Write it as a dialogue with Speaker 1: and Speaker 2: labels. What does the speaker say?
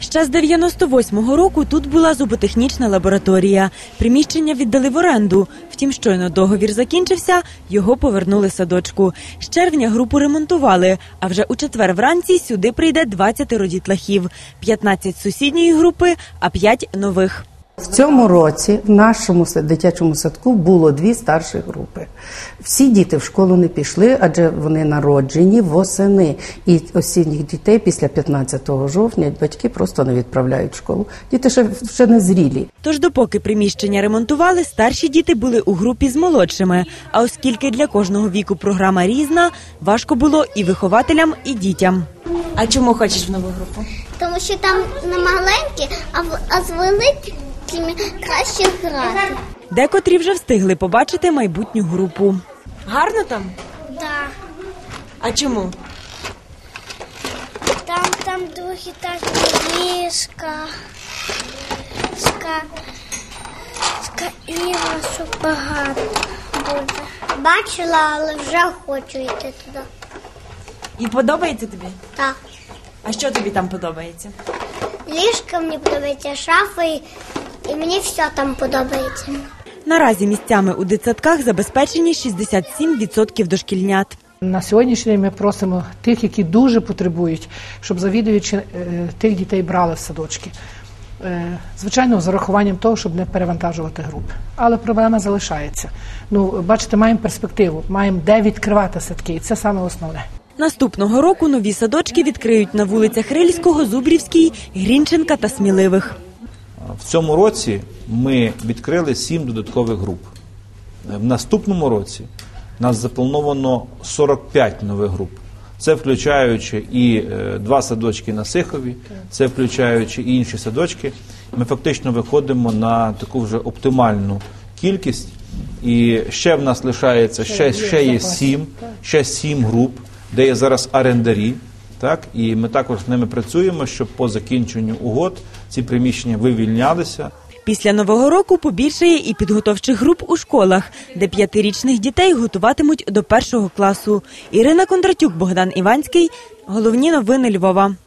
Speaker 1: Ще з 98-го року тут була зуботехнічна лабораторія. Приміщення віддали в оренду. Втім, щойно договір закінчився, його повернули садочку. З червня групу ремонтували, а вже у четвер вранці сюди прийде 20 дітлахів. 15 з сусідньої групи, а 5 нових.
Speaker 2: В цьому році в нашому дитячому садку було 2 старші групи. Всі діти в школу не пішли, адже вони народжені восени. І осінніх дітей після 15 жовтня батьки просто не відправляють в школу. Діти ще не зрілі.
Speaker 1: Тож допоки приміщення ремонтували, старші діти були у групі з молодшими. А оскільки для кожного віку програма різна, важко було і вихователям, і дітям. А чому хочеш в нову групу?
Speaker 3: Тому що там не маленькі, а з великими краще грати.
Speaker 1: Декотрі вже встигли побачити майбутню групу. Гарно там?
Speaker 3: Так.
Speaker 1: А чому?
Speaker 3: Там другі такі ліжка, іграшок багато буде. Бачила, але вже хочу йти туди.
Speaker 1: І подобається тобі?
Speaker 3: Так.
Speaker 1: А що тобі там подобається?
Speaker 3: Ліжка мені подобається, шафи, і мені все там подобається.
Speaker 1: Наразі місцями у дитсадках забезпечені 67% дошкільнят.
Speaker 4: На сьогоднішній день ми просимо тих, які дуже потребують, щоб завідувачі тих дітей брали в садочки. Звичайно, з урахуванням того, щоб не перевантажувати групи. Але проблема залишається. Бачите, маємо перспективу, маємо де відкривати садки, і це саме основне.
Speaker 1: Наступного року нові садочки відкриють на вулицях Рильського, Зубрівській, Грінченка та Сміливих.
Speaker 5: В цьому році ми відкрили 7 додаткових груп. В наступному році нас заплановано 45 нових груп. Це включаючи і 2 садочки на Сихові, це включаючи і інші садочки. Ми фактично виходимо на таку вже оптимальну кількість. І ще в нас лишається, ще 7 груп, де є зараз орендарі. Так, і ми також з ними працюємо, щоб по закінченню угод ці приміщення вивільнялися.
Speaker 1: Після Нового року побільшає і підготовчих груп у школах, де 5-річних дітей готуватимуть до 1 класу. Ірина Кондратюк, Богдан Іванський. Головні новини Львова.